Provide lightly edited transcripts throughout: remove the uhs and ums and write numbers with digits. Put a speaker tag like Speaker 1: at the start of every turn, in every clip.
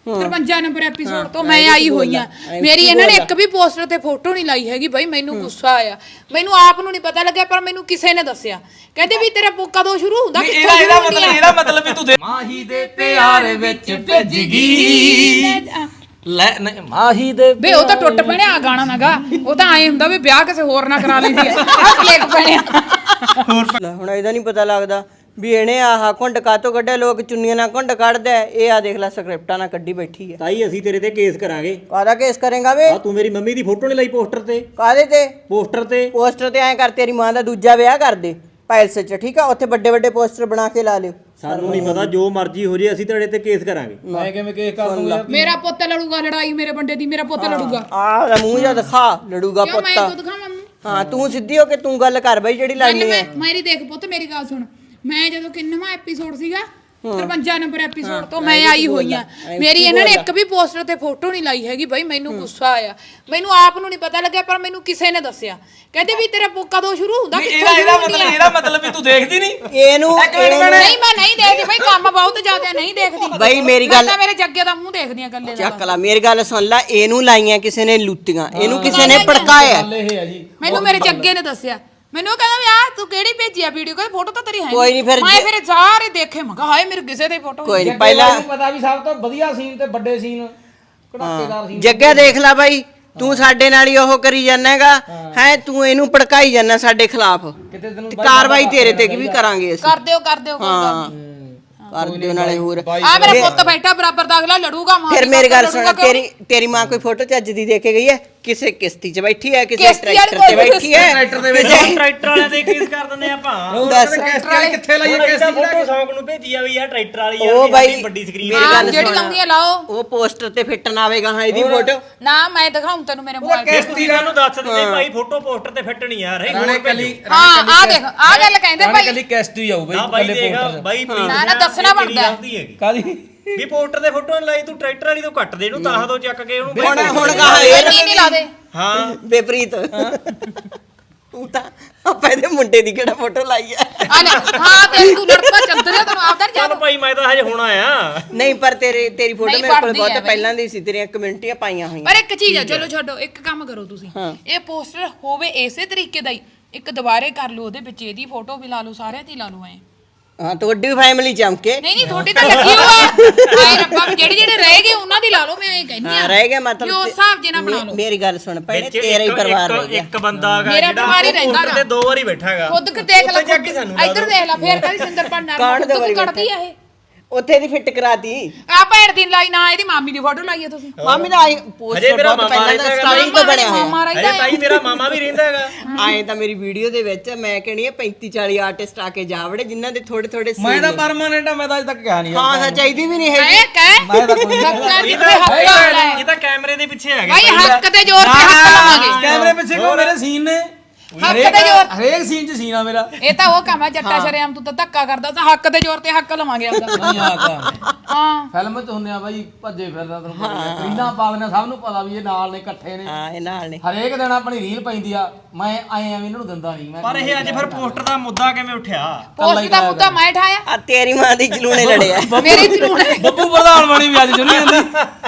Speaker 1: 53 number episode ਤੋਂ ਮੈਂ ਆਈ ਹੋਈ ਆ। ਮੇਰੀ ਇਹਨਾਂ ਨੇ ਇੱਕ ਵੀ ਪੋਸਟਰ ਤੇ ਫੋਟੋ ਨਹੀਂ ਲਾਈ ਹੈਗੀ ਬਈ। ਮੈਨੂੰ ਗੁੱਸਾ ਆਇਆ, ਮੈਨੂੰ ਆਪ ਨੂੰ ਨਹੀਂ ਪਤਾ ਲੱਗਿਆ ਪਰ ਮੈਨੂੰ ਕਿਸੇ ਨੇ ਦੱਸਿਆ, ਕਹਿੰਦੇ ਵੀ ਤੇਰਾ ਕਦੋਂ ਸ਼ੁਰੂ ਹੁੰਦਾ।
Speaker 2: ਇਹਦਾ ਮਤਲਬ ਵੀ ਤੂੰ ਦੇ ਮਾਹੀ ਦੇ ਪਿਆਰ ਵਿੱਚ ਭਿੱਜ ਗਈ ਲੈ ਮਾਹੀ ਦੇ
Speaker 1: ਬੇ ਉਹ ਤਾਂ ਟੁੱਟ ਪੈਣਿਆ ਗਾਣਾ ਨਾਗਾ। ਉਹ ਤਾਂ ਐ ਹੁੰਦਾ ਵੀ ਵਿਆਹ ਕਿਸੇ ਹੋਰ ਨਾਲ ਕਰਾ ਲੈਂਦੀ ਆ ਕਲੇਕ ਪੈਣਿਆ।
Speaker 3: ਹੁਣ ਇਹਦਾ ਨਹੀਂ ਪਤਾ ਲੱਗਦਾ ਵੀ ਇਹਨੇ ਆਹ ਘੁੰਡ ਕਾਤੋਂ ਕੱਢਿਆ। ਲੋਕ ਚੁੰਨੀਆਂ ਨਾਲ ਘੁੰਡ ਕੱਢਦਾ, ਇਹ ਆ ਦੇਖ ਲੈ ਸਕ੍ਰਿਪਟਾਂ ਨਾਲ ਕੱਢੀ ਬੈਠੀ ਹੈ।
Speaker 4: ਤਾਈ ਅਸੀਂ ਤੇਰੇ ਤੇ ਕੇਸ ਕਰਾਂਗੇ।
Speaker 3: ਕਾਹਦਾ ਕੇਸ ਕਰੇਗਾ ਵੇ?
Speaker 4: ਤੂੰ ਮੇਰੀ ਮੰਮੀ ਦੀ ਫੋਟੋ ਨਹੀਂ ਲਾਈ ਪੋਸਟਰ ਤੇ।
Speaker 3: ਕਾਹਦੇ ਤੇ?
Speaker 4: ਪੋਸਟਰ
Speaker 3: ਤੇ ਐਂ ਕਰ, ਤੇਰੀ ਮਾਂ ਦਾ ਦੂਜਾ ਵਿਆਹ ਕਰ ਦੇ ਪੈਲਸ 'ਚ, ਠੀਕ ਆ? ਉੱਥੇ ਵੱਡੇ ਵੱਡੇ ਪੋਸਟਰ ਬਣਾ ਕੇ ਲਾ ਲਿਓ।
Speaker 4: ਸਾਨੂੰ ਨਹੀਂ ਪਤਾ, ਜੋ ਮਰਜ਼ੀ ਹੋ ਜੇ ਅਸੀਂ ਤੇਰੇ ਤੇ ਕੇਸ ਕਰਾਂਗੇ।
Speaker 2: ਮੈਂ ਕਿਵੇਂ ਕੇਸ ਕਰ ਦੂੰਗਾ?
Speaker 1: ਮੇਰਾ ਪੁੱਤ ਲੜੂਗਾ ਲੜਾਈ ਮੇਰੇ ਬੰਦੇ ਦੀ। ਮੇਰਾ ਪੁੱਤ ਲੜੂਗਾ।
Speaker 3: ਆਹ ਮੂੰਹ ਜਿਹਾ ਦਿਖਾ, ਲੜੂਗਾ ਪੁੱਤ।
Speaker 1: ਮੈਂ ਤੂੰ ਦਿਖਾਵਾਂ ਮੂੰਹ?
Speaker 3: ਹਾਂ ਤੂੰ ਸਿੱਧੀ ਹੋ ਕੇ ਤੂੰ ਗੱਲ ਕਰ ਬਈ ਜਿਹੜੀ ਲੜਨੀ ਹੈ।
Speaker 1: ਮੇਰੀ ਦੇਖ ਪੁੱਤ, ਮੇਰੀ ਗੱਲ ਸੁਣ। ਮੈਂ ਜਦੋਂ ਕਿੰਨਵਾਂ ਐਪੀਸੋਡ ਸੀਗਾ 53 ਨੰਬਰ ਐਪੀਸੋਡ ਤੋਂ ਮੈਂ ਆਈ ਹੋਈ ਆ। ਮੇਰੀ ਇਹਨਾਂ ਨੇ ਇੱਕ ਵੀ ਪੋਸਟਰ ਤੇ ਫੋਟੋ ਨਹੀਂ ਲਾਈ ਹੈਗੀ ਬਈ। ਮੈਨੂੰ ਗੁੱਸਾ ਆਇਆ, ਮੈਨੂੰ ਆਪ ਨੂੰ ਨਹੀਂ ਪਤਾ ਲੱਗਿਆ ਪਰ ਮੈਨੂੰ ਕਿਸੇ ਨੇ ਦੱਸਿਆ, ਕਹਿੰਦੇ ਵੀ ਤੇਰਾ ਕਦੋਂ ਸ਼ੁਰੂ ਹੁੰਦਾ।
Speaker 2: ਇਹਦਾ ਮਤਲਬ ਵੀ ਤੂੰ ਦੇਖਦੀ ਨਹੀਂ
Speaker 3: ਇਹਨੂੰ?
Speaker 1: ਨਹੀਂ ਮੈਂ ਨਹੀਂ ਦੇਖਦੀ ਬਈ, ਕੰਮ ਬਹੁਤ ਜ਼ਿਆਦਾ ਨਹੀਂ ਦੇਖਦੀ
Speaker 3: ਬਈ। ਮੇਰੀ ਗੱਲ,
Speaker 1: ਮੈਂ ਮੇਰੇ ਜੱਗੇ ਦਾ ਮੂੰਹ ਦੇਖਦੀ ਆ ਗੱਲੇ ਦਾ।
Speaker 3: ਚੱਕ ਲਾ ਮੇਰੀ ਗੱਲ ਸੁਣ ਲੈ। ਇਹਨੂੰ ਲਾਈਆਂ ਕਿਸੇ ਨੇ ਲੁੱਟੀਆਂ, ਇਹਨੂੰ ਕਿਸੇ ਨੇ ਭੜਕਾਇਆ।
Speaker 1: ਮੈਨੂੰ ਮੇਰੇ ਜੱਗੇ ਨੇ ਦੱਸਿਆ। ਮੈਨੂੰ ਕਹਿੰਦਾ ਵੀ ਆ ਤੂੰ ਕਿਹੜੀ ਭੇਜੀ ਆ ਵੀਡੀਓ? ਕਹਿੰਦਾ ਫੋਟੋ ਤਾਂ ਤੇਰੀ ਹੈ
Speaker 3: ਕੋਈ ਨਹੀਂ।
Speaker 1: ਮੈਂ ਫਿਰ ਸਾਰੇ ਦੇਖੇ, ਮੈਂ ਕਿਹਾ ਹਾਏ ਮੇਰੇ ਕਿਸੇ ਦੀ ਫੋਟੋ
Speaker 3: ਕੋਈ ਨਹੀਂ। ਪਹਿਲਾਂ
Speaker 2: ਪਤਾ ਵੀ ਸਭ ਤੋਂ ਵਧੀਆ ਸੀਨ ਤੇ ਵੱਡੇ ਸੀਨ ਕੜਾਕੇਦਾਰ ਸੀਨ
Speaker 3: ਜੱਗਾ ਦੇਖ ਲੈ ਬਾਈ, ਤੂੰ ਸਾਡੇ ਨਾਲ ਹੀ ਉਹ ਕਰੀ ਜਾਂਦਾ ਹੈਗਾ ਹੈ। ਤੂੰ ਇਹਨੂੰ ਭੜਕਾਈ ਜਾਂਦਾ ਸਾਡੇ ਖਿਲਾਫ। ਕਾਰਵਾਈ ਤੇਰੇ ਤੇ ਵੀ ਕਰਾਂਗੇ ਅਸੀਂ।
Speaker 1: ਕਰ ਦਿਓ ਕਰ ਦਿਓ
Speaker 3: ਕਰ ਦਿਓ ਨਾਲੇ ਹੋਰ।
Speaker 1: ਆ ਮੇਰਾ ਪੁੱਤ ਬੈਠਾ ਬਰਾਬਰ ਦਾ, ਅਗਲਾ ਲੜੂਗਾ।
Speaker 3: ਫਿਰ ਮੇਰੀ ਗੱਲ ਸੁਣ, ਤੇਰੀ ਮਾਂ ਕੋਈ ਫੋਟੋ ਚੱਜ ਦੀ ਦੇ ਕੇ ਗਈ ਹੈ? ਕਿਸੇ ਕਿਸ਼ਤੀ 'ਚ ਬੈਠੀ ਹੈ, ਕਿਸੇ ਟਰੈਕਟਰ ਤੇ ਬੈਠੀ ਹੈ।
Speaker 2: ਟਰੈਕਟਰ ਦੇ ਵਿੱਚ ਟਰੈਕਟਰ ਵਾਲਿਆਂ ਤੇ ਕੇਸ ਕਰ ਦਿੰਦੇ ਆਪਾਂ।
Speaker 3: ਦੱਸ
Speaker 2: ਕਿੱਥੇ ਲਾਈਏ ਕੇਸ? ਫੋਟੋ ਸ਼ੌਂਕ ਨੂੰ ਭੇਜੀ ਆ ਵੀ ਆ ਟਰੈਕਟਰ ਵਾਲੀ
Speaker 3: ਉਹ ਬਾਈ
Speaker 2: ਵੱਡੀ ਸਕਰੀਨ
Speaker 3: ਮੇਰੀ ਗੱਲ
Speaker 1: ਜਿਹੜੀ ਲਾਉਂਦੀ ਆ ਲਾਓ।
Speaker 3: ਉਹ ਪੋਸਟਰ ਤੇ ਫਿੱਟ ਨਾ ਆਵੇਗਾ ਹਾਂ ਇਹਦੀ ਫੋਟੋ
Speaker 1: ਨਾ ਮੈਂ ਦਿਖਾਉਂ ਤੈਨੂੰ ਮੇਰੇ ਮੋਬਾਈਲ ਤੇ।
Speaker 2: ਕਿਸ਼ਤੀਦਾਰ ਨੂੰ ਦੱਸ ਦਿੰਦੇ ਭਾਈ ਫੋਟੋ ਪੋਸਟਰ ਤੇ ਫਿੱਟ ਨਹੀਂ ਯਾਰ।
Speaker 1: ਹਾਂ ਆ ਦੇਖ, ਆ ਗੱਲ ਕਹਿੰਦੇ ਭਾਈ।
Speaker 2: ਕੱਲੀ ਕਿਸ਼ਤੀ ਆਊ ਬਈ ਕੱਲੇ ਪੋਸਟਰ ਬਾਈ।
Speaker 1: ਨਾ ਦੱਸਣਾ ਬਣਦਾ
Speaker 2: ਕਾਦੀ ਵੀ ਪੋਸਟਰ ਦੇ ਫੋਟੋ ਨਹੀਂ ਲਾਈ ਤੂੰ ਟਰੈਕਟਰ ਵਾਲੀ ਤੋਂ ਕੱਟ ਦੇ ਇਹਨੂੰ ਤਾਂ ਦੋ ਚੱਕ ਕੇ ਉਹਨੂੰ।
Speaker 3: ਹੁਣ ਕਹਾ ਇਹ
Speaker 1: ਨਹੀਂ ਲਾ ਦੇ।
Speaker 2: ਹਾਂ
Speaker 3: ਬੇਪ੍ਰੀਤ ਤੂੰ ਤਾਂ ਆਪਾਂ ਇਹਦੇ ਮੁੰਡੇ ਦੀ ਕਿਹੜਾ ਫੋਟੋ ਲਾਈ ਆ?
Speaker 1: ਹਾਂ ਤੇ ਤੂੰ ਲੜਪਾ ਚੰਦਰਿਆ ਤੈਨੂੰ ਆਪਦਾ ਨਹੀਂ
Speaker 2: ਚੱਲ ਭਾਈ ਮੈਂ ਤਾਂ ਹਜੇ ਹੁਣ ਆਇਆ।
Speaker 3: ਨਹੀਂ ਪਰ ਤੇਰੀ ਫੋਟੋ ਮੇਰੇ ਕੋਲ ਬਹੁਤ ਪਹਿਲਾਂ ਦੀ ਸੀ, ਤੇਰੀਆਂ ਕਮੈਂਟੀਆਂ ਪਾਈਆਂ ਹੋਈਆਂ।
Speaker 1: ਪਰ ਇੱਕ ਚੀਜ਼ ਆ, ਚਲੋ ਛੱਡੋ, ਇੱਕ ਕੰਮ ਕਰੋ ਤੁਸੀਂ। ਇਹ ਪੋਸਟਰ ਹੋਵੇ ਇਸੇ ਤਰੀਕੇ ਦਾ ਹੀ, ਇੱਕ ਦੁਬਾਰੇ ਕਰ ਲਓ, ਉਹਦੇ ਵਿੱਚ ਇਹਦੀ ਫੋਟੋ ਵੀ ਲਾ ਲਓ, ਸਾਰਿਆਂ ਦੀ ਲਾ ਲਓ। ਐ
Speaker 3: ਹਾਂ ਤੁਹਾਡੀ ਫੈਮਿਲੀ ਚਮਕੇ।
Speaker 1: ਨਹੀਂ ਤੁਹਾਡੀ ਤਾਂ ਲੱਗੀ ਹੋਆ। ਆਏ ਰੱਬਾ ਜਿਹੜੇ ਜਿਹੜੇ ਰਹਿ ਗਏ ਉਹਨਾਂ ਦੀ ਲਾ ਲਓ। ਮੈਂ ਇਹ ਕਹਿੰਦੀ ਆ
Speaker 3: ਰਹਿ ਗਿਆ ਮਤਲਬ
Speaker 1: ਉਸ ਹਿਸਾਬ ਜੇ ਨਾ ਬਣਾ ਲਓ।
Speaker 3: ਮੇਰੀ ਗੱਲ ਸੁਣ ਪਹਿਲੇ ਤੇਰਾ ਹੀ ਪਰਿਵਾਰ ਰਹਿ ਗਿਆ।
Speaker 2: ਇੱਕ ਬੰਦਾ ਹੈਗਾ
Speaker 1: ਮੇਰਾ ਪਰਿਵਾਰ ਹੀ ਰਹਿੰਦਾ
Speaker 2: ਤੇ ਦੋ ਵਾਰੀ ਬੈਠਾ ਹੈਗਾ।
Speaker 1: ਖੁਦ ਦੇਖ ਲੈ, ਇੱਧਰ ਦੇਖ ਲੈ, ਫੇਰ ਕਹਿੰਦੀ ਸਿੰਦਰ ਪੰਡਾ ਖੁਦ ਕੱਢਦੀ ਆ ਇਹ।
Speaker 3: ਉੱਥੇ ਦੀ ਫਿੱਟ ਕਰਾਤੀ
Speaker 1: ਆ ਭੈਣ ਦੀ ਲਾਈ ਨਾ, ਇਹਦੀ ਮਾਮੀ ਦੀ ਫੋਟੋ ਲਾਈ ਆ ਤੁਸੀਂ।
Speaker 3: ਮਾਮੀ ਦਾ ਆਈ ਪੋਸਟਰ ਬਹੁਤ ਪਹਿਲਾਂ ਦਾ ਸਟਾਰਟਿੰਗ ਤੋਂ ਬਣਿਆ ਹੋਇਆ।
Speaker 2: ਅਰੇ ਭਾਈ ਮੇਰਾ ਮਾਮਾ ਵੀ ਰਹਿੰਦਾ ਹੈਗਾ।
Speaker 3: ਆਏ ਤਾਂ ਮੇਰੀ ਵੀਡੀਓ ਦੇ ਵਿੱਚ ਮੈਂ ਕਹਿੰਦੀ ਆ 35-40 ਆਰਟਿਸਟ ਆ ਕੇ ਜਾ ਵੜੇ ਜਿਨ੍ਹਾਂ ਦੇ ਥੋੜੇ ਥੋੜੇ
Speaker 2: ਮੈਂ ਤਾਂ ਪਰਮਾਨੈਂਟ ਆ, ਮੈਂ ਤਾਂ ਅਜੇ ਤੱਕ ਕਿਹਾ ਨਹੀਂ।
Speaker 3: ਹਾਂ ਚਾਹੀਦੀ ਵੀ ਨਹੀਂ ਹੈਗੀ।
Speaker 2: ਮੈਂ ਤਾਂ ਕੋਈ ਨਹੀਂ। ਇਹ ਤਾਂ ਕੈਮਰੇ ਦੇ ਪਿੱਛੇ ਹੈਗਾ
Speaker 1: ਭਾਈ, ਹੱਕ ਤੇ ਜ਼ੋਰ ਤੇ ਹੱਕ ਲਵਾਂਗੇ।
Speaker 2: ਕੈਮਰੇ ਪਿੱਛੇ ਕੋ ਮੇਰੇ ਸੀਨ ਨੇ, ਹਰੇਕ ਸੀਨ 'ਚ ਸੀਨ ਆ ਮੇਰਾ।
Speaker 1: ਇਹ ਤਾਂ ਉਹ ਕੰਮ ਆ ਜੱਟਾ ਸ਼ਰਿਆਮ, ਤੂੰ ਤਾਂ ਧੱਕਾ ਕਰਦਾ ਤਾਂ ਹੱਕ ਦੇ ਜ਼ੋਰ ਤੇ ਹੱਕ ਲਵਾਂਗੇ ਆਪਦਾ।
Speaker 2: ਨਹੀਂ ਆ ਤਾਂ
Speaker 1: ਹਾਂ
Speaker 2: ਫਿਲਮ 'ਚ ਹੁੰਦੇ ਆ ਬਾਈ, ਭੱਜੇ ਫਿਰਦਾ ਤੈਨੂੰ ਪਤਾ। ਰੀਲਾਂ ਪਾਉਂਦੇ ਸਭ ਨੂੰ ਪਤਾ ਵੀ ਇਹ ਨਾਲ ਨੇ, ਇਕੱਠੇ ਨੇ।
Speaker 3: ਹਾਂ ਇਹ ਨਾਲ ਨੇ।
Speaker 2: ਹਰੇਕ ਦਿਨ ਆਪਣੀ ਰੀਲ ਪੈਂਦੀ ਆ। ਮੈਂ ਆਏ ਐਵੇਂ ਇਹਨਾਂ ਨੂੰ ਦਿੰਦਾ ਨਹੀਂ। ਪਰ ਇਹ ਅੱਜ ਫਿਰ ਪੋਸਟਰ ਦਾ ਮੁੱਦਾ ਕਿਵੇਂ ਉੱਠਿਆ?
Speaker 1: ਪੋਸਟ ਦਾ ਮੁੱਦਾ ਮੈਂ ਠਾਇਆ।
Speaker 3: ਆ ਤੇਰੀ ਮਾਂ ਦੀ ਜਲੂਣੇ ਲੜਿਆ।
Speaker 1: ਮੇਰੇ ਜਲੂਣੇ
Speaker 2: ਬੱਬੂ ਪ੍ਰਧਾਨ ਬਣੀ ਵੀ ਅੱਜ ਜੁਨੀ ਜਾਂਦੀ।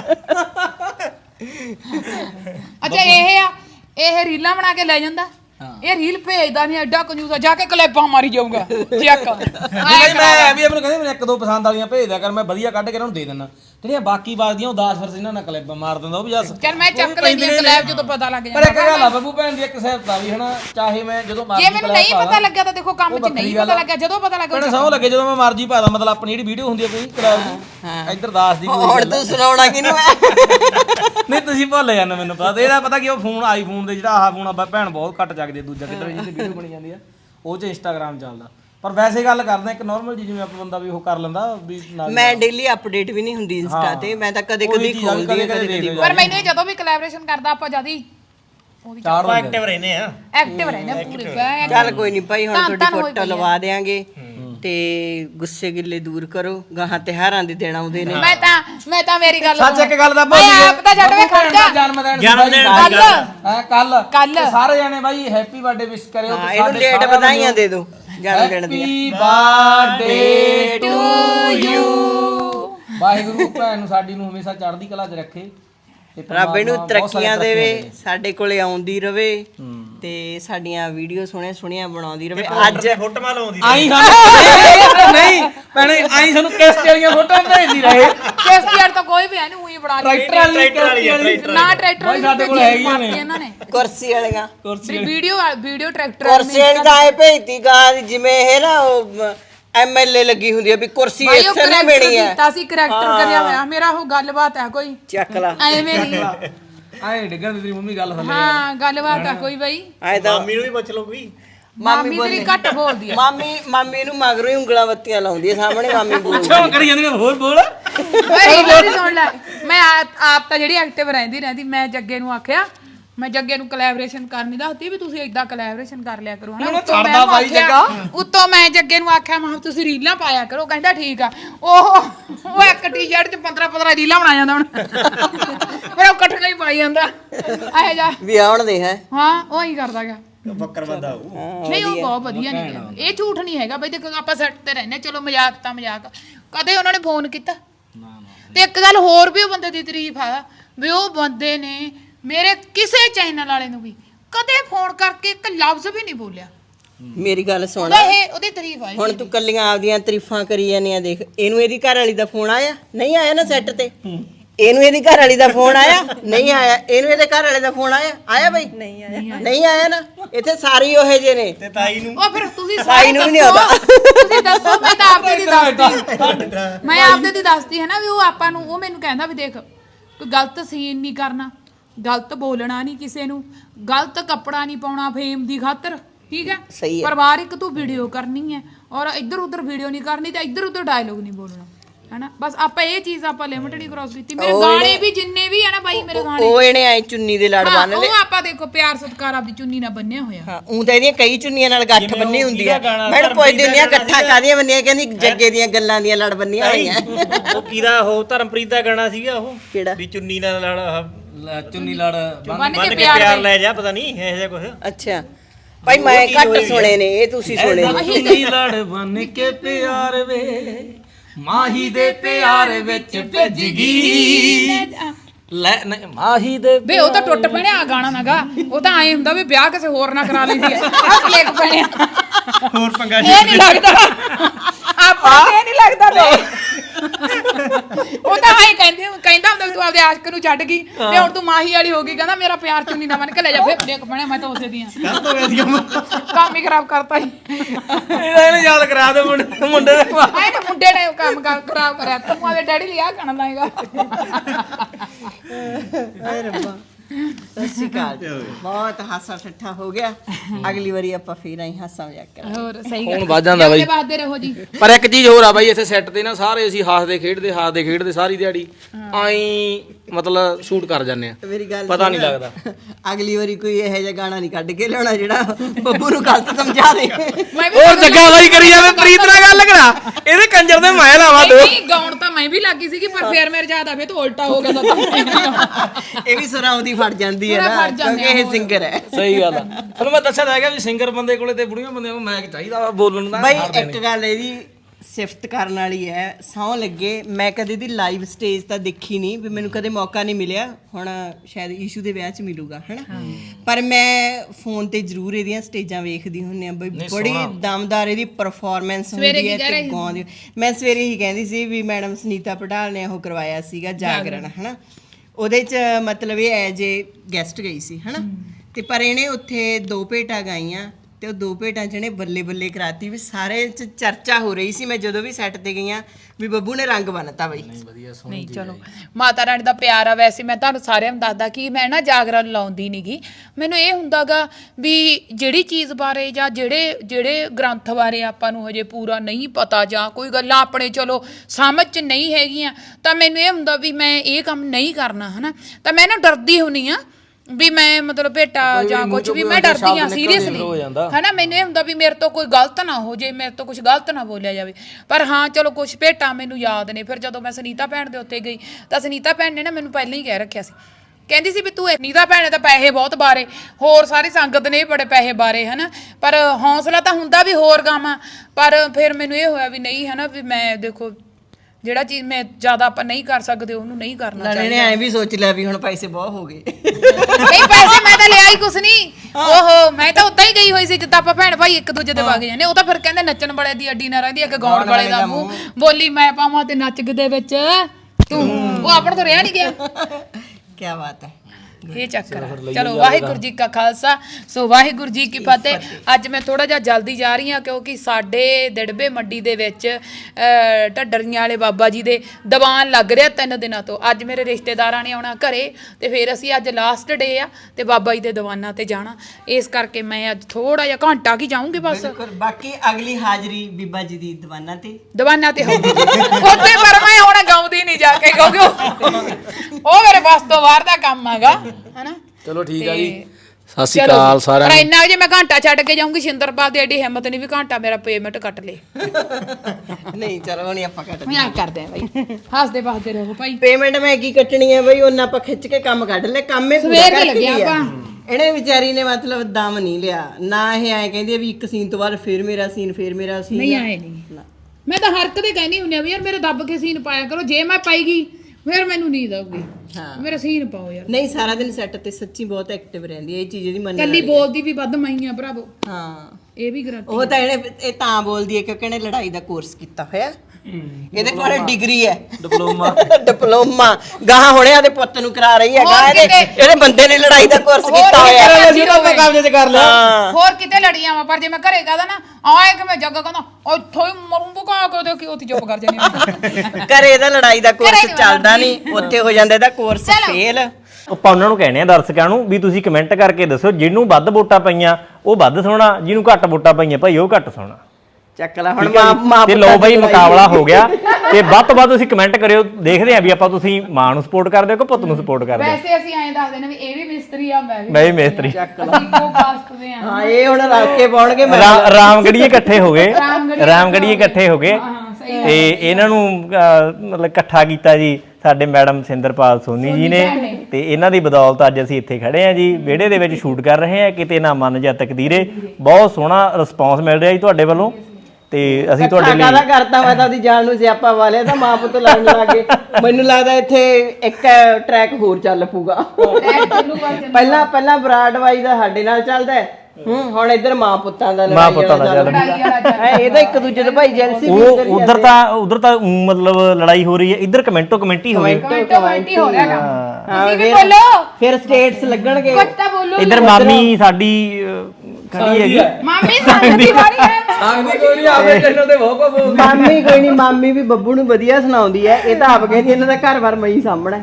Speaker 1: ਅੱਛਾ ਇਹ ਰੀਲਾਂ ਬਣਾ ਕੇ ਲੈ ਜਾਂਦਾ। ਇਹ ਰੀਲ ਭੇਜਦਾ ਨਹੀਂ, ਐਡਾ ਕੰਜੂਸ ਆ, ਜਾ ਕੇ ਕਲੇਬਾਂ ਮਾਰੀ ਜਾਊਗਾ। ਚੈੱਕ
Speaker 2: ਮੈਂ ਵੀ ਮੈਨੂੰ ਕਹਿੰਦੇ ਮੈਨੂੰ ਇੱਕ ਦੋ ਪਸੰਦ ਵਾਲੀਆਂ ਭੇਜ ਦਿਆ ਕਰ, ਮੈਂ ਵਧੀਆ ਕੱਢ ਕੇ ਇਹਨਾਂ ਨੂੰ ਦੇ ਦਿੰਦਾ। ਜਿਹੜੀਆਂ ਬਾਕੀ ਬਾਜ਼ਦੀਆਂ ਉਹ 10 ਫਿਰ ਇਹਨਾਂ ਨਾਲ ਕਲੇਬਾਂ ਮਾਰ ਦਿੰਦਾ। ਉਹ ਵੀ ਜਸ
Speaker 1: ਚੱਲ ਮੈਂ ਚੱਕ ਲੈਂਦੀ ਕਲੇਬ ਜਦੋਂ ਪਤਾ ਲੱਗ ਜਾਂਦਾ।
Speaker 2: ਪਰ ਇੱਕ ਗੱਲ ਆ ਬੱਬੂ ਭੈਣ ਦੀ ਇੱਕ ਸਹਿਬਤਾ ਵੀ ਹਨਾ, ਚਾਹੇ ਮੈਂ ਜਦੋਂ ਮਰਜ਼ੀ
Speaker 1: ਜੇ ਮੈਨੂੰ ਨਹੀਂ ਪਤਾ ਲੱਗਿਆ ਤਾਂ ਦੇਖੋ ਕੰਮ 'ਚ ਨਹੀਂ ਪਤਾ ਲੱਗਿਆ, ਜਦੋਂ ਪਤਾ ਲੱਗਾ
Speaker 2: ਮੈਨੂੰ ਸੌ ਲੱਗੇ ਜਦੋਂ ਮੈਂ ਮਰਜ਼ੀ ਪਾਦਾ। ਮਤਲਬ ਆਪਣੀ ਜਿਹੜੀ ਵੀਡੀਓ ਹੁੰਦੀ ਹੈ ਕੋਈ ਕਰਾਉ ਦੀ, ਇੱਧਰ ਦਾਸ ਦੀ
Speaker 3: ਹੁਣ ਤੂੰ ਸੁਣਾਉਣਾ ਕਿਹਨੂੰ ਹੈ?
Speaker 2: ਨਹੀਂ ਤੁਸੀਂ ਭੁੱਲ ਜਾਂਦੇ, ਮੈਨੂੰ ਪਤਾ। ਇਹਦਾ ਪਤਾ ਕਿ ਉਹ ਫੋਨ ਆਈਫੋਨ ਦੇ ਜਿਹੜਾ ਆਹ ਫੋਨ ਆ ਭੈਣ ਬਹੁਤ ਘੱਟ ਚੱਕਦੀ, ਦੂਜਾ ਕਿੱਧਰ ਜਿਹਦੇ ਵੀਡੀਓ ਬਣੀ ਜਾਂਦੀ ਆ ਉਹ 'ਚ ਇੰਸਟਾਗ੍ਰਾਮ ਚੱਲਦਾ। ਪਰ ਵੈਸੇ ਗੱਲ ਕਰਦਾ ਇੱਕ ਨਾਰਮਲ ਜੀ, ਜਿਵੇਂ ਆਪਾਂ ਬੰਦਾ ਵੀ ਉਹ ਕਰ ਲੈਂਦਾ ਵੀ। ਮੈਂ
Speaker 3: ਡੇਲੀ ਅਪਡੇਟ ਵੀ ਨਹੀਂ ਹੁੰਦੀ ਇੰਸਟਾ ਤੇ, ਮੈਂ ਤਾਂ ਕਦੇ ਕਦੇ ਖੋਲਦੀ ਆ ਕਦੇ।
Speaker 1: ਪਰ ਮੈਨੂੰ ਜਦੋਂ ਵੀ ਕੋਲੈਬੋਰੇਸ਼ਨ ਕਰਦਾ ਆਪਾਂ ਜਦ ਹੀ
Speaker 2: ਐਕਟਿਵ ਰਹਿੰਦੇ ਆ
Speaker 1: ਪੂਰੇ।
Speaker 3: ਚੱਲ ਕੋਈ ਨਹੀਂ ਭਾਈ, ਹੁਣ ਤੁਹਾਡੀ ਫੋਟੋ ਲਵਾ ਦੇਾਂਗੇ ਤੇ ਗੁੱਸੇ ਗਿੱਲੇ ਦੂਰ ਕਰੋ। ਗਾਹਾਂ ਤਿਉਹਾਰਾਂ ਦੇ ਦਿਨ ਆਉਂਦੇ ਨੇ।
Speaker 1: ਮੈਂ ਤਾਂ ਮੇਰੀ ਗੱਲ
Speaker 2: ਸੱਚ ਇੱਕ ਗੱਲ ਦਾ ਭੁੱਲ
Speaker 1: ਗਏ। ਆਪ ਤਾਂ ਛੱਡ ਵੇ ਖਰਚਾ।
Speaker 2: ਜਨਮ ਦਿਨ ਕੱਲ ਸਾਰੇ ਜਾਣੇ ਬਾਈ ਹੈਪੀ ਬਰਥਡੇ ਵਿਸ਼ ਕਰਿਓ।
Speaker 3: ਇਹਨੂੰ ਡੇਟ ਵਧਾਈਆਂ ਦੇ ਦਿਓ ਜਨਮ ਦਿਨ ਦੀਆਂ।
Speaker 2: Happy birthday to you. Waheguru ਭੈਣ ਨੂੰ ਸਾਡੀ ਨੂੰ ਹਮੇਸ਼ਾ ਚੜ੍ਹਦੀ ਕਲਾ 'ਚ ਰੱਖੇ ਤੇ
Speaker 3: ਰੱਬ ਇਹਨੂੰ
Speaker 2: ਪਰਮਾਤਮਾ ਬਹੁਤ ਸਾਰੀਆਂ
Speaker 3: ਤਰੱਕੀਆਂ ਦੇਵੇ,
Speaker 2: ਤਰੱਕੀਆਂ
Speaker 3: ਸਾਡੇ ਕੋਲੇ ਆਉਂਦੀ ਰਵੇ ਤੇ ਸਾਡੀਆਂ ਵੀਡੀਓ ਸੋਹਣੀਆਂ ਬਣਾਉਂਦੀ ਰਵੇ। ਅੱਜ
Speaker 4: ਫੋਟੋਆਂ ਲਾਉਂਦੀ
Speaker 2: ਆਈ ਸਾਨੂੰ ਨਹੀਂ ਭੈਣੇ ਆਈ ਸਾਨੂੰ ਕਿਸ਼ਤੀ ਵਾਲੀਆਂ ਫੋਟੋਆਂ ਭੇਜਦੀ ਰਹੇ।
Speaker 1: ਕਿਸ਼ਤੀ ਯਾਰ ਤਾਂ ਕੋਈ ਵੀ ਹੈ ਨਹੀਂ ਉਹੀ ਬਣਾ ਲਈ
Speaker 2: ਟਰੈਕਟਰ ਵਾਲੀ
Speaker 1: ਨਾ ਟਰੈਕਟਰ ਵਾਲੀ
Speaker 2: ਸਾਡੇ ਕੋਲ ਹੈਗੀਆਂ ਨੇ
Speaker 1: ਇਹਨਾਂ ਨੇ
Speaker 3: ਕੁਰਸੀ ਵਾਲੀਆਂ
Speaker 1: ਵੀਡੀਓ ਟਰੈਕਟਰ
Speaker 3: ਕੁਰਸੀ ਵਾਲੀ ਤਾਂ ਐ ਭੇਜਤੀ ਗਾਂ ਦੀ ਜਿਵੇਂ ਇਹ ਨਾ ਉਹ ਐਮਐਲਏ ਲੱਗੀ ਹੁੰਦੀ ਆ ਵੀ ਕੁਰਸੀ
Speaker 1: ਭਾਈ ਉਹ
Speaker 3: ਇੱਥੇ ਨਹੀਂ
Speaker 1: ਕਰੈਕਟਰ
Speaker 3: ਮਿਲਣੀ ਹੈ।
Speaker 1: ਕੀਤਾ ਸੀ ਕਰੈਕਟਰ ਕਰਿਆ ਹੋਇਆ ਮੇਰਾ ਉਹ ਗੱਲਬਾਤ ਹੈ ਕੋਈ
Speaker 3: ਚੱਕ ਲਾ
Speaker 1: ਐਵੇਂ ਨਹੀਂ
Speaker 2: ਆਏ ਡਿੱਗਣ ਦੀ ਤੇਰੀ ਮੰਮੀ ਗੱਲ ਥੱਲੇ
Speaker 1: ਹਾਂ ਗੱਲਬਾਤ ਹੈ ਕੋਈ ਬਈ
Speaker 3: ਐ ਤਾਂ
Speaker 4: ਮਾਮੀ ਨੂੰ ਵੀ ਪੁੱਛ ਲਓ ਕੋਈ।
Speaker 1: ਮਾਮੀ ਤੇਰੀ ਘੱਟ ਬੋਲਦੀ ਆ
Speaker 3: ਮਾਮੀ ਨੂੰ ਮਗਰੋਂ ਹੀ ਉਂਗਲਾਂ ਬੱਤੀਆਂ ਲਾਉਂਦੀ ਹੈ, ਸਾਹਮਣੇ ਮਾਮੀ ਬੋਲਦੀ
Speaker 2: ਚੋ ਕਰੀ ਜਾਂਦੀ ਹੋਰ ਬੋਲ
Speaker 1: ਓਏ ਮੇਰੀ ਸੁਣ ਲੈ ਮੈਂ ਆਪ ਤਾਂ ਜਿਹੜੀ ਐਕਟਿਵ ਰਹਿੰਦੀ ਮੈਂ ਜੱਗੇ ਨੂੰ ਆਖਿਆ ਮੈਂ ਜੱਗੇ ਨੂੰ ਕੋਲੈਬੋਰੇਸ਼ਨ ਕਰਨੀ ਦੱਸਦੀ ਵੀ ਤੁਸੀਂ ਇਦਾਂ ਕੋਲੈਬੋਰੇਸ਼ਨ ਕਰ ਲਿਆ ਕਰੋ ਹਨਾ
Speaker 2: ਛੱਡਦਾ ਬਾਈ ਜੱਗਾ।
Speaker 1: ਉੱਤੋਂ ਮੈਂ ਜੱਗੇ ਨੂੰ ਆਖਿਆ ਮੈਂ ਤੁਸੀਂ ਰੀਲਾਂ ਪਾਇਆ ਕਰੋ, ਕਹਿੰਦਾ ਠੀਕ ਆ। ਉਹ ਇੱਕ ਟੀ-ਸ਼ਰਟ 'ਚ 15 ਰੀਲਾਂ ਬਣਾ ਜਾਂਦਾ ਹੁਣ ਫਿਰ ਉਹ ਇਕੱਠੀਆਂ ਹੀ ਪਾਈ ਜਾਂਦਾ ਆਏ ਜਾ
Speaker 3: ਵੀ ਆਉਣ ਦੇ ਹੈ।
Speaker 1: ਹਾਂ ਉਹ ਹੀ ਕਰਦਾ ਗਿਆ
Speaker 4: ਫੱਕਰ ਬੰਦਾ ਉਹ।
Speaker 1: ਨਹੀਂ ਉਹ ਬਹੁਤ ਵਧੀਆ ਨਹੀਂ ਇਹ ਝੂਠ ਨਹੀਂ ਹੈਗਾ ਬਈ ਦੇਖੋ ਆਪਾਂ ਸੈੱਟ ਤੇ ਰਹਿੰਦੇ ਚਲੋ ਮਜ਼ਾਕ ਤਾਂ ਮਜ਼ਾਕ ਕਦੇ ਉਹਨਾਂ ਨੇ ਫੋਨ ਕੀਤਾ ਤੇ ਇੱਕ ਗੱਲ ਹੋਰ ਵੀ ਉਹ ਬੰਦੇ ਦੀ ਤਾਰੀਫ ਆ ਵੀ ਉਹ ਬੰਦੇ ਨੇ ਮੇਰੇ ਕਿਸੇ ਚੈਨਲ ਵਾਲੇ ਨੂੰ ਵੀ ਕਦੇ ਫੋਨ ਕਰਕੇ ਇੱਕ ਲਫ਼ਜ਼ ਵੀ ਨਹੀਂ ਬੋਲਿਆ।
Speaker 3: ਮੇਰੀ ਗੱਲ ਸੁਣ,
Speaker 1: ਉਹਦੀ ਤਾਰੀਫ ਆਈ
Speaker 3: ਹੁਣ ਤੂੰ ਕੱਲੀਆਂ ਆਪਦੀਆਂ ਤਾਰੀਫਾਂ ਕਰੀ ਜਾਂਦੀਆਂ। ਦੇਖ ਇਹਨੂੰ ਇਹਦੀ ਘਰ ਵਾਲੀ ਦਾ ਫੋਨ ਆਇਆ ਨਹੀਂ ਆਇਆ ਨਾ ਸੈੱਟ ਤੇ, ਇਹਨੂੰ ਇਹਦੀ ਘਰ ਵਾਲੀ ਦਾ ਫੋਨ ਆਇਆ ਨਹੀਂ ਆਇਆ, ਇਹਨੂੰ ਇਹਦੇ ਘਰ ਵਾਲੇ ਦਾ ਫੋਨ ਆਇਆ ਬਈ ਨਹੀਂ ਆਇਆ ਨਾ। ਇੱਥੇ ਸਾਰੇ ਉਹੇ ਜਿਹੇ ਨੇ
Speaker 4: ਤੇ ਤਾਈ ਨੂੰ
Speaker 1: ਉਹ ਫਿਰ ਤੁਸੀਂ
Speaker 3: ਸਾਈ ਨੂੰ ਵੀ ਨਹੀਂ ਆਉਂਦਾ।
Speaker 1: ਤੁਸੀਂ ਦੱਸੋ ਮੈਂ ਤਾਂ ਆਪਦੇ ਦੀ ਦੱਸਦੀ ਮੈਂ ਆਪਦੇ ਦੀ ਦੱਸਦੀ ਹੈ ਨਾ ਵੀ ਉਹ ਆਪਾਂ ਨੂੰ ਉਹ ਮੈਨੂੰ ਕਹਿੰਦਾ ਵੀ ਦੇਖ ਕੋਈ ਗਲਤ ਸੀਨ ਨਹੀਂ ਕਰਨਾ, ਗਲਤ ਬੋਲਣਾ ਨਹੀਂ ਕਿਸੇ ਨੂੰ, ਗਲਤ ਕੱਪੜਾ ਨਹੀਂ ਪਾਉਣਾ ਫੇਮ ਦੀ ਖਾਤਰ, ਠੀਕ ਹੈ
Speaker 3: ਸਹੀ ਹੈ।
Speaker 1: ਪਰਿਵਾਰਿਕ ਤੂੰ ਵੀਡੀਓ ਕਰਨੀ ਹੈ ਔਰ ਇੱਧਰ ਉੱਧਰ ਵੀਡੀਓ ਨਹੀਂ ਕਰਨੀ ਤੇ ਇੱਧਰ ਉੱਧਰ ਡਾਇਲੋਗ ਨਹੀਂ ਬੋਲਣਾ ਹੈਨਾ। ਬਸ ਆਪਾਂ ਇਹ ਚੀਜ਼ ਆਪਾਂ ਲਿਮਟ ਨਹੀਂ ਕ੍ਰਾਸ ਕੀਤੀ। ਮੇਰੇ ਗਾਣੇ ਵੀ ਜਿੰਨੇ ਵੀ ਹੈ ਨਾ ਬਾਈ ਮੇਰੇ ਗਾਣੇ
Speaker 3: ਉਹ ਇਹਨੇ ਐ ਚੁੰਨੀ ਦੇ ਲੜ ਬੰਨ ਲਏ।
Speaker 1: ਉਹ ਆਪਾਂ ਦੇਖੋ ਪਿਆਰ ਸਤਿਕਾਰ ਆਪਦੀ ਚੁੰਨੀ ਨਾਲ ਬੰਨਿਆ ਹੋਇਆ।
Speaker 3: ਹਾਂ ਉਹ ਤਾਂ ਇਹਦੀਆਂ ਕਈ ਚੁੰਨੀਆਂ ਨਾਲ ਗੱਠ ਬੰਨੀ ਹੁੰਦੀ ਆ। ਮੈਨੂੰ ਪੁੱਛਦੀ ਹੁੰਦੀ ਆ ਗੱਠਾਂ ਕਾਹਦੀਆਂ ਬੰਨੀਆਂ, ਕਹਿੰਦੀ ਜੱਗੇ ਦੀਆਂ ਗੱਲਾਂ ਦੀਆਂ ਲੜ ਬੰਨੀਆਂ ਹੋਈਆਂ।
Speaker 4: ਉਹ ਕਿਹਦਾ ਉਹ ਧਰਮਪ੍ਰੀਤ ਦਾ ਗਾਣਾ ਸੀਗਾ ਉਹ
Speaker 3: ਕਿਹੜਾ
Speaker 4: ਵੀ ਚੁੰਨੀ ਨਾਲ ਲੜ
Speaker 2: ਚੁੰਨੀ ਲੜ
Speaker 1: ਬੰਨ
Speaker 4: ਬੰਨ
Speaker 1: ਕੇ
Speaker 4: ਕੇ ਪਿਆਰ ਲੈ ਜਾ, ਪਤਾ ਨਹੀਂ ਇਹ ਜਿਹਾ ਕੁਝ।
Speaker 3: ਅੱਛਾ ਭਾਈ ਮੈਂ ਘੱਟ ਸੁਣੇ ਨੇ, ਇਹ ਤੁਸੀਂ ਸੁਣੇ ਨੇ।
Speaker 2: ਚੁੰਨੀ ਲੜ ਬੰਨ ਕੇ ਪਿਆਰ ਵੇ ਮਾਹੀ ਦੇ ਪਿਆਰ ਵਿੱਚ ਭਿੱਜ ਗਈ ਲੈ ਨਹੀਂ ਮਾਹੀ ਦੇ
Speaker 1: ਵੇ ਉਹ ਤਾਂ ਟੁੱਟ ਪੈਣਿਆ ਆ ਗਾਣਾ ਨਾਗਾ ਉਹ ਤਾਂ ਐ ਹੁੰਦਾ ਵੀ ਵਿਆਹ ਕਿਸੇ ਹੋਰ ਨਾਲ ਕਰਾ ਲੈਂਦੀ ਹੈ ਆ ਕਲੇਕ ਪੈਣਿਆ
Speaker 4: ਹੋਰ ਪੰਗਾ
Speaker 1: ਇਹ ਨਹੀਂ ਲੱਗਦਾ ਆਪਾਂ ਇਹ ਨਹੀਂ ਲੱਗਦਾ ਵੇ ਉਹ ਤਾਂ ਐ ਕਹਿੰਦਾ ਹੁੰਦਾ ਵੀ ਤੂੰ ਆਪਦੇ ਆਸ਼ਕ ਨੂੰ ਛੱਡ ਗਈ ਤੇ ਹੁਣ ਤੂੰ ਮਾਹੀ ਵਾਲੀ ਹੋ ਗਈ, ਕਹਿੰਦਾ ਮੇਰਾ ਪਿਆਰ ਚੁੰਨੀ ਨਾ ਬਣ ਕੇ ਲੈ ਜਾ ਫੇਰ ਕਲੇਕ ਪੈਣਿਆ ਮੈਂ ਤਾਂ ਉਸੇ ਦੀ ਆ ਕੰਮ ਹੀ ਖਰਾਬ ਕਰਤਾ ਸੀ
Speaker 2: ਇਹਨੇ ਯਾਦ ਕਰਾ ਦੇ ਮੁੰਡੇ ਦੇ
Speaker 1: ਆਏ ਨਾ ਮੁੰਡੇ ਨੇ ਕੰਮ ਖਰਾਬ ਕਰਿਆ ਤੂੰ ਆਪਦੇ ਡੈਡੀ ਲਈ ਆ ਗਾਣਾ ਲਾਏਗਾ
Speaker 3: ਹਾਏ ਰੱਬਾ ਸਤਿ ਸ਼੍ਰੀ ਅਕਾਲ। ਬਹੁਤ ਹਾਸਾ ਠੱਠਾ ਹੋ ਗਿਆ, ਅਗਲੀ ਵਾਰੀ ਆਪਾਂ ਫੇਰ ਆਈ ਹਾਸਾ ਮਜ਼ਾਕ ਕਰਾਂਗੇ।
Speaker 1: ਹੋਰ ਸਹੀ
Speaker 2: ਹੁਣ ਵੱਜ ਜਾਂਦਾ ਬਾਈ।
Speaker 1: ਬਾਦੇ ਰਹੋ ਜੀ।
Speaker 2: ਪਰ ਇੱਕ ਚੀਜ਼ ਹੋਰ ਆ ਬਾਈ, ਇੱਥੇ ਸੈੱਟ ਤੇ ਨਾ ਸਾਰੇ ਅਸੀਂ ਹੱਸਦੇ ਖੇਡਦੇ ਸਾਰੀ ਦਿਹਾੜੀ ਆਈ ਮਤਲਬ ਸ਼ੂਟ ਕਰ ਜਾਂਦੇ ਆ,
Speaker 3: ਮੇਰੀ ਗੱਲ
Speaker 2: ਪਤਾ ਨਹੀਂ ਲੱਗਦਾ।
Speaker 3: ਅਗਲੀ ਵਾਰੀ ਕੋਈ ਇਹੋ ਜਿਹਾ ਗਾਣਾ ਨਹੀਂ ਕੱਢ ਕੇ ਲਿਆਉਣਾ ਜਿਹੜਾ ਬੱਬੂ ਨੂੰ ਗਲਤ ਸਮਝਾ ਦੇ।
Speaker 1: ਮੈਂ ਵੀ
Speaker 2: ਉਹ ਜੱਗਾ ਬਾਈ ਕਰੀ ਜਾਵੇ, ਪ੍ਰੀਤ ਨਾਲ ਗੱਲ ਕਰਾ, ਇਹਦੇ ਕੰਜਰ ਦੇ ਮੈਂ ਲਾਵਾਂ ਦੋ।
Speaker 1: ਨਹੀਂ ਗਾਉਣ ਤਾਂ ਮੈਂ ਵੀ ਲੱਗੀ ਸੀਗੀ ਪਰ ਫੇਰ ਮੇਰੇ ਯਾਦ ਆਵੇ ਤਾਂ ਉਲਟਾ ਹੋ ਗਿਆ ਤਾਂ
Speaker 3: ਇਹ ਵੀ ਸੁਰਾਂ ਉਹਦੀ ਫੜ ਜਾਂਦੀ ਹੈ
Speaker 1: ਸੁਰਾਂ
Speaker 3: ਨਾ,
Speaker 1: ਫੜ ਜਾਂਦੇ
Speaker 3: ਕਿਉਂਕਿ ਇਹ ਸਿੰਗਰ ਹੈ।
Speaker 2: ਸਹੀ ਗੱਲ ਆ। ਤੁਹਾਨੂੰ ਮੈਂ ਦੱਸਿਆ ਤਾਂ ਹੈਗਾ ਵੀ ਸਿੰਗਰ ਬੰਦੇ ਕੋਲੇ ਤੇ ਬੁੜੀਆਂ ਬੰਦੇ ਨੂੰ ਮੈਕ ਚਾਹੀਦਾ ਵਾ ਬੋਲਣ ਦਾ।
Speaker 3: ਬਾਈ ਇੱਕ ਗੱਲ ਇਹਦੀ ਸਿਫਤ ਕਰਨ ਵਾਲੀ ਹੈ, ਸਹੁੰ ਲੱਗੇ ਮੈਂ ਕਦੇ ਦੀ ਲਾਈਵ ਸਟੇਜ ਤਾਂ ਦੇਖੀ ਨਹੀਂ, ਵੀ ਮੈਨੂੰ ਕਦੇ ਮੌਕਾ ਨਹੀਂ ਮਿਲਿਆ। ਹੁਣ ਸ਼ਾਇਦ ਈਸ਼ੂ ਦੇ ਵਿਆਹ 'ਚ ਮਿਲੂਗਾ ਹਨਾ, ਪਰ ਮੈਂ ਫੋਨ ਤੇ ਜ਼ਰੂਰ ਇਹਦੀਆਂ ਸਟੇਜਾਂ ਵੇਖਦੀ ਹੁੰਦੀ ਆ। ਬਈ ਬੜੀ ਦਮਦਾਰ ਇਹਦੀ ਪਰਫਾਰਮੈਂਸ ਹੁੰਦੀ ਹੈ ਤੇ ਗਾਉਂਦੀ। ਮੈਂ ਸਵੇਰੇ ਹੀ ਕਹਿੰਦੀ ਸੀ ਵੀ ਮੈਡਮ ਸੁਨੀਤਾ ਪਟਾਲ ਨੇ ਉਹ ਕਰਵਾਇਆ ਸੀਗਾ ਜਾਗਰਣ ਹਨਾ, ਉਹਦੇ 'ਚ ਮਤਲਬ ਇਹ ਐਜ ਏ ਗੈਸਟ ਗਈ ਸੀ ਹਨਾ, ਤੇ ਪਰ ਇਹਨੇ ਉੱਥੇ 2 ਭੇਟਾਂ ਗਾਈਆਂ ਤੇ ਉਹ 2 ਭੇਟਾਂ ਜਿਹਨੇ ਬੱਲੇ ਬੱਲੇ ਕਰਾਤੀ। ਵੀ ਸਾਰੇ 'ਚ ਚਰਚਾ ਹੋ ਰਹੀ ਸੀ ਮੈਂ ਜਦੋਂ ਵੀ ਸੈੱਟ ਤੇ ਗਈਆਂ ਵੀ ਬੱਬੂ ਨੇ ਰੰਗ ਬੰਨਤਾ ਬਈ।
Speaker 1: ਨਹੀਂ ਚਲੋ ਮਾਤਾ ਰਾਣੀ ਦਾ ਪਿਆਰ ਆ। ਵੈਸੇ ਮੈਂ ਤੁਹਾਨੂੰ ਸਾਰਿਆਂ ਨੂੰ ਦੱਸਦਾ ਕਿ ਮੈਂ ਨਾ ਜਾਗਰਣ ਲਾਉਂਦੀ ਨਹੀਂਗੀ, ਮੈਨੂੰ ਇਹ ਹੁੰਦਾਗਾ ਵੀ ਜਿਹੜੀ ਚੀਜ਼ ਬਾਰੇ ਜਾਂ ਜਿਹੜੇ ਗ੍ਰੰਥ ਬਾਰੇ ਆਪਾਂ ਨੂੰ ਹਜੇ ਪੂਰਾ ਨਹੀਂ ਪਤਾ ਜਾਂ ਕੋਈ ਗੱਲਾਂ ਆਪਣੇ ਚਲੋ ਸਮਝ 'ਚ ਨਹੀਂ ਹੈਗੀਆਂ ਤਾਂ ਮੈਨੂੰ ਇਹ ਹੁੰਦਾ ਵੀ ਮੈਂ ਇਹ ਕੰਮ ਨਹੀਂ ਕਰਨਾ ਹਨਾ, ਤਾਂ ਮੈਂ ਨਾ ਡਰਦੀ ਹੁੰਦੀ ਆ ਵੀ ਮੈਂ ਮਤਲਬ ਭੇਟਾ ਜਾਂ ਕੁਝ ਵੀ ਮੈਂ ਡਰਦੀ ਆ ਸੀਰੀਅਸਲੀ ਹਨਾ। ਮੈਨੂੰ ਇਹ ਹੁੰਦਾ ਵੀ ਮੇਰੇ ਤੋਂ ਕੋਈ ਗਲਤ ਨਾ ਹੋ ਜੇ, ਮੇਰੇ ਤੋਂ ਕੁਝ ਗਲਤ ਨਾ ਬੋਲਿਆ ਜਾਵੇ। ਪਰ ਹਾਂ ਚਲੋ ਕੁਝ ਭੇਟਾਂ ਮੈਨੂੰ ਯਾਦ ਨੇ। ਫਿਰ ਜਦੋਂ ਮੈਂ ਸੁਨੀਤਾ ਭੈਣ ਦੇ ਉੱਤੇ ਗਈ ਤਾਂ ਸੁਨੀਤਾ ਭੈਣ ਨੇ ਨਾ ਮੈਨੂੰ ਪਹਿਲਾਂ ਹੀ ਕਹਿ ਰੱਖਿਆ ਸੀ, ਕਹਿੰਦੀ ਸੀ ਵੀ ਤੂੰ ਸੁਨੀਤਾ ਭੈਣ ਨੇ ਤਾਂ ਪੈਸੇ ਬਹੁਤ ਬਾਰੇ, ਹੋਰ ਸਾਰੀ ਸੰਗਤ ਨੇ ਬੜੇ ਪੈਸੇ ਬਾਰੇ ਹਨਾ, ਪਰ ਹੌਸਲਾ ਤਾਂ ਹੁੰਦਾ ਵੀ ਹੋਰ ਗਾਵਾਂ। ਪਰ ਫਿਰ ਮੈਨੂੰ ਇਹ ਹੋਇਆ ਵੀ ਨਹੀਂ ਹਨਾ, ਵੀ ਮੈਂ ਦੇਖੋ ਜਿਹੜਾ ਚੀਜ਼ ਮੈਂ ਜ਼ਿਆਦਾ ਆਪਾਂ ਨਹੀਂ ਕਰ ਸਕਦੇ ਉਹਨੂੰ ਨਹੀਂ ਕਰਨਾ
Speaker 3: ਨਾਲੇ ਨੇ ਐਂ ਵੀ ਸੋਚ ਲਿਆ ਵੀ ਹੁਣ ਪੈਸੇ ਬਹੁਤ ਹੋ ਗਏ।
Speaker 1: ਨਹੀਂ ਪੈਸੇ ਮੈਂ ਤਾਂ ਲਿਆ ਹੀ ਕੁਛ ਨਹੀਂ। ਓਹੋ ਮੈਂ ਤਾਂ ਉਦਾਂ ਹੀ ਗਈ ਹੋਈ ਸੀ ਜਿੱਦਾਂ ਆਪਾਂ ਭੈਣ ਭਾਈ ਇੱਕ ਦੂਜੇ ਦੇ ਵਗ ਜਾਂਦੇ। ਉਹ ਤਾਂ ਫਿਰ ਕਹਿੰਦੇ ਨੱਚਣ ਵਾਲੇ ਦੀ ਅੱਡੀ ਨਾ ਰਹਿੰਦੀ ਇੱਕ ਗਾਉਣ ਵਾਲੇ ਦਾ ਮੂੰਹ। ਬੋਲੀ ਮੈਂ ਪਾਵਾਂ ਤੇ ਨੱਚ ਦੇ ਵਿੱਚ ਤੂੰ, ਉਹ ਆਪਣਾ ਤੋਂ ਰਿਹਾ ਨਹੀਂ ਗਿਆ।
Speaker 3: ਕੀ ਬਾਤ ਹੈ।
Speaker 1: ਇਹ ਚੱਕਰ ਆ। ਚਲੋ ਵਾਹਿਗੁਰੂ ਜੀ ਕਾ ਖਾਲਸਾ ਸੋ ਵਾਹਿਗੁਰੂ ਜੀ ਕੀ ਫਤਿਹ। ਅੱਜ ਮੈਂ ਥੋੜਾ ਜਿਹਾ ਜਲਦੀ ਜਾ ਰਹੀ ਹਾਂ ਕਿਉਂਕਿ ਸਾਡੇ ਦਿੜਬੇ ਮੰਡੀ ਦੇ ਵਿੱਚ ਢੱਡਰੀਆਂ ਵਾਲੇ ਬਾਬਾ ਜੀ ਦੇ ਦੀਵਾਨ ਲੱਗ ਰਿਹਾ 3 ਦਿਨਾਂ ਤੋਂ। ਅੱਜ ਮੇਰੇ ਰਿਸ਼ਤੇਦਾਰਾਂ ਨੇ ਆਉਣਾ ਘਰੇ ਤੇ ਫਿਰ ਅਸੀਂ ਅੱਜ ਲਾਸਟ ਡੇ ਆ ਤੇ ਬਾਬਾ ਜੀ ਦੇ ਦੀਵਾਨਾਂ ਤੇ ਜਾਣਾ। ਇਸ ਕਰਕੇ ਮੈਂ ਅੱਜ ਥੋੜਾ ਜਿਹਾ ਘੰਟਾ ਕੀ ਜਾਊਂਗੀ ਬਸ।
Speaker 3: ਬਿਲਕੁਲ। ਬਾਕੀ ਅਗਲੀ ਹਾਜ਼ਰੀ ਬੀਬਾ ਜੀ ਦੀ ਦੀਵਾਨਾਂ ਤੇ
Speaker 1: ਹੋਊਗੀ ਉੱਥੇ, ਪਰ ਮੈਂ ਹੁਣ ਗਾਉਂਦੀ ਨਹੀਂ ਜਾ ਕੇ ਕਿਉਂਕਿ ਉਹ ਮੇਰੇ ਬਸ ਤੋਂ ਬਾਹਰ ਦਾ ਕੰਮ ਹੈਗਾ ਹਨਾ।
Speaker 2: ਚਲੋ ਠੀਕ ਆ ਜੀ, ਸਤਿ ਸ਼੍ਰੀ ਅਕਾਲ ਸਾਰਿਆਂ
Speaker 1: ਪਰ
Speaker 2: ਨੂੰ।
Speaker 1: ਇੰਨਾ ਜੇ ਮੈਂ ਘੰਟਾ ਛੱਡ ਕੇ ਜਾਊਂਗੀ ਸ਼ਿੰਦਰਪਾਲ ਦੀ ਐਡੀ ਹਿੰਮਤ ਨਹੀਂ ਵੀ ਘੰਟਾ ਮੇਰਾ ਪੇਮੈਂਟ ਕੱਟ ਲੇ।
Speaker 3: ਨਹੀਂ ਚਲੋ ਨਹੀਂ ਆਪਾਂ ਕੱਟ
Speaker 1: ਮਜ਼ਾਕ ਕਰਦੇ ਆ ਬਾਈ, ਹੱਸਦੇ ਬਸਦੇ ਰਹੋ ਭਾਈ।
Speaker 3: ਪੇਮੈਂਟ ਮੈਂ ਕੀ ਕੱਟਣੀ ਹੈ ਬਈ, ਉਹਨਾਂ ਆਪਾਂ ਖਿੱਚ ਕੇ ਕੰਮ ਕੱਢ ਲੈ। ਕੰਮ ਹੀ
Speaker 1: ਸਵੇਰ ਦੇ ਲੱਗੇ ਆਪਾਂ।
Speaker 3: ਇਹਨੇ ਵਿਚਾਰੀ ਨੇ ਮਤਲਬ ਦਮ ਨਹੀਂ ਲਿਆ ਨਾ। ਇਹ ਐਂ ਕਹਿੰਦੀ ਆ ਵੀ ਇੱਕ ਸੀਨ ਤੋਂ ਬਾਅਦ ਫਿਰ ਮੇਰਾ ਸੀਨ
Speaker 1: ਨਹੀਂ ਆਏ ਨਹੀਂ। ਮੈਂ ਤਾਂ ਹਰ ਕਦੇ ਕਹਿੰਦੀ ਹੁੰਦੀ ਆ ਵੀ ਯਾਰ ਮੇਰੇ ਦੱਬ ਕੇ ਸੀਨ ਪਾਇਆ ਕਰੋ। ਜੇ ਮੈਂ ਪਾਈ ਗਈ ਫਿਰ ਮੈਨੂੰ ਨੀਂਦ ਆਊਗੀ। ਮੇਰਾ ਸੀਨ ਪਾਓ ਯਾਰ।
Speaker 3: ਨਹੀਂ ਸਾਰਾ ਦਿਨ ਸੈੱਟ ਤੇ ਸੱਚੀ ਬਹੁਤ ਐਕਟਿਵ ਰਹਿੰਦੀ ਹੈ। ਇਹ ਚੀਜ਼ ਇਹਦੀ ਮੰਨ
Speaker 1: ਕੱਲੀ ਬੋਲਦੀ ਵੀ ਵੱਧ ਮਈਆਂ ਭਰਾਵੋ।
Speaker 3: ਹਾਂ
Speaker 1: ਇਹ ਵੀ ਗਰੰਟੀ।
Speaker 3: ਉਹ ਤਾਂ ਇਹ ਤਾਂ ਬੋਲਦੀ ਹੈ ਕਿਉਂਕਿ ਇਹਨੇ ਲੜਾਈ ਦਾ ਕੋਰਸ ਕੀਤਾ ਹੋਇਆ। ਇਹਦੇ ਕੋਲ ਡਿਗਰੀ ਹੈ, ਡਿਪਲੋਮਾ। ਗਾਹਾਂ ਹੁਣੇ ਆਦੇ ਪੁੱਤ ਨੂੰ ਕਰਾ ਰਹੀ ਹੈ। ਗਾਹਾਂ ਇਹਦੇ ਬੰਦੇ ਨੇ ਲੜਾਈ ਦਾ ਕੋਰਸ ਕੀਤਾ ਹੋਇਆ।
Speaker 1: ਹੋਰ ਕਿਤੇ ਲੜੀਆਂ ਵਾ ਪਰ ਜੇ ਮੈਂ ਘਰੇ ਕਹਦਾ ਨਾ ਆਏ ਕਿ ਮੈਂ ਜੱਗਾ ਕਹਿੰਦਾ ਉੱਥੋਂ ਹੀ ਮਰੂੰ ਬੁਕਾ ਕੇ ਉਹਦੇ ਉੱਥੇ ਚੁੱਪ ਕਰ ਜਾਣੀ।
Speaker 3: ਘਰੇ ਇਹਦਾ ਲੜਾਈ ਦਾ ਕੋਰਸ ਚੱਲਦਾ ਨਹੀਂ, ਉੱਥੇ ਹੋ ਜਾਂਦਾ ਇਹਦਾ ਕੋਰਸ ਫੇਲ।
Speaker 4: ਆਪਾਂ ਉਹਨਾਂ ਨੂੰ ਕਹਿੰਦੇ ਆ ਦਰਸ਼ਕਾਂ ਨੂੰ ਵੀ ਤੁਸੀਂ ਕਮੈਂਟ ਕਰਕੇ ਦੱਸੋ ਜਿਹਨੂੰ ਵੱਧ ਵੋਟਾਂ ਪਈਆਂ ਉਹ ਵੱਧ ਸੋਹਣਾ, ਜਿਹਨੂੰ ਘੱਟ ਵੋਟਾਂ ਪਈਆਂ ਭਾਈ ਉਹ ਘੱਟ ਸੋਹਣਾ।
Speaker 3: ਚੱਕ ਲੈ ਹੁਣ ਮਾਂ
Speaker 4: ਤੇ ਲੋ ਬਈ ਮੁਕਾਬਲਾ ਹੋ ਗਿਆ ਤੇ ਵੱਧ ਤੋਂ ਵੱਧ ਤੁਸੀਂ ਕਮੈਂਟ ਕਰਿਓ। ਦੇਖਦੇ ਆ ਵੀ ਆਪਾਂ ਤੁਸੀਂ ਮਾਂ ਨੂੰ ਸਪੋਰਟ ਕਰਦੇ ਹੋ ਕਿ ਪੁੱਤ ਨੂੰ ਸਪੋਰਟ ਕਰਦੇ ਹੋ।
Speaker 1: ਵੈਸੇ ਅਸੀਂ ਐਂ ਦੱਸਦੇ ਨੇ ਵੀ ਇਹ ਵੀ ਮਿਸਤਰੀ ਆ ਮੈਂ
Speaker 4: ਵੀ ਮਿਸਤਰੀ।
Speaker 1: ਅਸੀਂ ਕੋ ਕਾਸਟ ਦੇ ਆ।
Speaker 3: ਹਾਂ ਇਹ ਹੁਣ ਰਲ ਕੇ ਪਾਉਣਗੇ।
Speaker 4: ਰਾਮਗੜੀਏ ਇਕੱਠੇ ਹੋ ਗਏ, ਰਾਮਗੜੀਏ ਇਕੱਠੇ ਹੋ ਗਏ ਤੇ ਇਹਨਾਂ ਨੂੰ ਮਤਲਬ ਇਕੱਠਾ ਕੀਤਾ ਜੀ ਸਾਡੇ ਮੈਡਮ ਸਿੰਦਰਪਾਲ ਸੋਨੀ ਜੀ ਨੇ। ਤੇ ਇਹਨਾਂ ਦੀ ਬਦੌਲਤ ਅੱਜ ਅਸੀਂ ਇੱਥੇ ਖੜੇ ਆ ਜੀ, ਵਿਹੜੇ ਦੇ ਵਿੱਚ ਸ਼ੂਟ ਕਰ ਰਹੇ ਆ। ਕਿਤੇ ਨਾ ਮਨ ਜਾਂ ਤਕਦੀਰੇ, ਬਹੁਤ ਸੋਹਣਾ ਰਿਸਪੌਂਸ ਮਿਲ ਰਿਹਾ ਜੀ ਤੁਹਾਡੇ ਵੱਲੋਂ। ਤੇ ਅਸੀਂ ਤੁਹਾਡੇ ਲਈ
Speaker 3: ਕਾਹਦਾ ਕਰਤਾ ਮੈਂ ਤਾਂ ਉਹਦੀ ਜਾਨ ਨੂੰ ਸਿਆਪਾ ਵਾਲਿਆ ਤਾਂ ਮਾਂ ਪੁੱਤ ਲੜਨ ਲੱਗੇ। ਮੈਨੂੰ ਲੱਗਦਾ ਇੱਥੇ ਇੱਕ ਟਰੈਕ ਹੋਰ ਚੱਲ ਪੂਗਾ। ਪਹਿਲਾਂ ਬਰਾਡਵਾਈ ਦਾ ਸਾਡੇ ਨਾਲ ਚੱਲਦਾ ਹੁਣ ਇੱਧਰ ਮਾਂ ਪੁੱਤਾਂ ਦਾ
Speaker 4: ਮਾਂ ਪੁੱਤਾਂ ਦਾ ਚੱਲ
Speaker 3: ਇਹ ਤਾਂ ਇੱਕ ਦੂਜੇ ਦੇ ਭਾਈ ਜੈਲਸੀ
Speaker 4: ਉਹ ਉਧਰ ਤਾਂ ਮਤਲਬ ਲੜਾਈ ਹੋ ਰਹੀ ਹੈ, ਇੱਧਰ ਕਮੈਂਟੋ ਕਮੈਂਟੀ ਹੋਵੇ।
Speaker 1: ਕਮੈਂਟੀ ਹੋ ਰਿਹਾ ਕੰਮ।
Speaker 3: ਹਾਂ
Speaker 1: ਤੁਸੀਂ ਵੀ ਬੋਲੋ,
Speaker 3: ਫਿਰ ਸਟੇਟਸ ਲੱਗਣਗੇ।
Speaker 1: ਕੁਝ ਤਾਂ ਬੋਲੋ।
Speaker 4: ਇੱਧਰ ਮਾਮੀ ਸਾਡੀ ਖੜੀ ਹੈਗੀ।
Speaker 1: ਮਾਮੀ ਸੰਗ ਦੀ ਵਾਰੀ ਹੈ।
Speaker 2: ਆਂਦੀ ਕੋਈ ਨਹੀਂ, ਆਪਣੇ ਚੈਨਲ ਤੇ ਬਹੁਤ ਬੋਲਦੀ।
Speaker 3: ਮਾਮੀ ਕੋਈ ਨਹੀਂ, ਮਾਮੀ ਵੀ ਬੱਬੂ ਨੂੰ ਵਧੀਆ ਸੁਣਾਉਂਦੀ ਹੈ। ਇਹ ਤਾਂ ਆਪ ਕਹਿੰਦੀ ਇਹਨਾਂ ਦਾ ਘਰ-ਬਾਰ ਮੈਂ ਹੀ ਸਾਂਭਣਾ।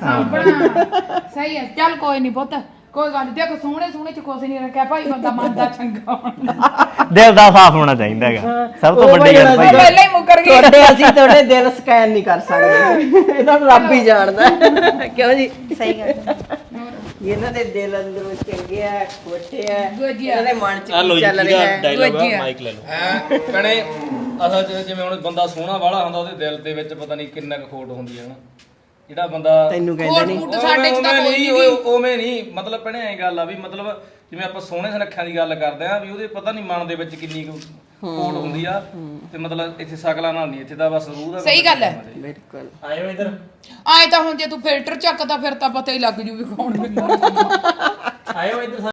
Speaker 1: ਸਹੀ ਹੈ। ਚੱਲ ਕੋਈ ਨਹੀਂ ਪੁੱਤ, ਕੋਈ ਗੱਲ ਨਹੀਂ। ਦੇਖੋ ਸੋਹਣੇ ਚ ਕੁਛ ਨਹੀਂ ਰੱਖਿਆ ਭਾਈ, ਬੰਦਾ ਮਨ ਦਾ ਚੰਗਾ ਹੁੰਦਾ।
Speaker 4: ਦਿਲ ਦਾ ਸਾਫ਼ ਹੋਣਾ ਚਾਹੀਦਾ ਹੈਗਾ, ਸਭ ਤੋਂ ਵੱਡੀ ਗੱਲ ਭਾਈ।
Speaker 1: ਪਹਿਲਾਂ ਹੀ ਮੁੱਕਰ ਗਈ।
Speaker 3: ਤੁਹਾਡੇ ਦਿਲ ਸਕੈਨ ਨਹੀਂ ਕਰ ਸਕਦੇ, ਇਹਨਾਂ ਨੂੰ ਰੱਬ ਹੀ ਜਾਣਦਾ। ਕਿਉਂ ਜੀ? ਸਹੀ ਗੱਲ। ਇਹਨਾਂ ਦੇ ਦਿਲ ਅੰਦਰੋਂ ਚੰਗੇ ਆ, ਖੋਟੇ ਆ, ਇਹਨਾਂ ਦੇ ਮਨ ਚ ਕੀ ਚੱਲ ਰਿਹਾ ਹੈ।
Speaker 4: ਡਾਇਲੌਗ ਆ, ਮਾਈਕ ਲੈ ਲਓ।
Speaker 2: ਐ ਕਹਣੇ ਅਸਲ ਚ ਜਿਵੇਂ ਹੁਣ ਬੰਦਾ ਸੋਹਣਾ ਵਾਲਾ ਹੁੰਦਾ ਉਹਦੇ ਦਿਲ ਦੇ ਵਿੱਚ ਪਤਾ ਨਹੀਂ ਕਿੰਨਾ ਕੁ ਖੋਟ ਹੁੰਦੀ ਹੈ ਨਾ। ਜਿਹੜਾ ਬੰਦਾ
Speaker 3: ਤੈਨੂੰ ਕਹਿੰਦਾ ਨਹੀਂ
Speaker 1: ਸਾਡੇ ਚ ਤਾਂ ਕੋਈ ਨਹੀਂ।
Speaker 2: ਉਵੇਂ ਨਹੀਂ, ਮਤਲਬ ਭੈਣੇ ਐਂ ਗੱਲ ਆ ਵੀ ਮਤਲਬ ਜਿਵੇਂ ਆਪਾਂ ਸੋਹਣੇ ਸੁਨੱਖਿਆਂ ਦੀ ਗੱਲ ਕਰਦੇ ਆ ਵੀ ਉਹਦੇ ਪਤਾ ਨਹੀਂ ਮਨ ਦੇ ਵਿੱਚ ਕਿੰਨੀ ਕੁ ਖੋਟ ਹੁੰਦੀ ਆ। ਤੇ ਮਤਲਬ ਇੱਥੇ ਸ਼ਕਲਾਂ ਨਾਲ ਨਹੀਂ, ਇੱਥੇ ਤਾਂ ਬਸ ਰੂਹ ਦਾ।
Speaker 1: ਸਹੀ ਗੱਲ ਹੈ।
Speaker 3: ਬਿਲਕੁਲ।
Speaker 4: ਆਇਓ ਇੱਧਰ।
Speaker 1: ਆਏ ਤਾਂ ਹੁਣ ਜੇ ਤੂੰ ਫਿਲਟਰ ਚੱਕਦਾ ਫਿਰ ਤਾਂ ਪਤਾ ਹੀ ਲੱਗ ਜੂ ਵੀ ਕੌਣ ਬਿੰਦਾ।
Speaker 4: ਆਇਓ ਇੱਧਰ।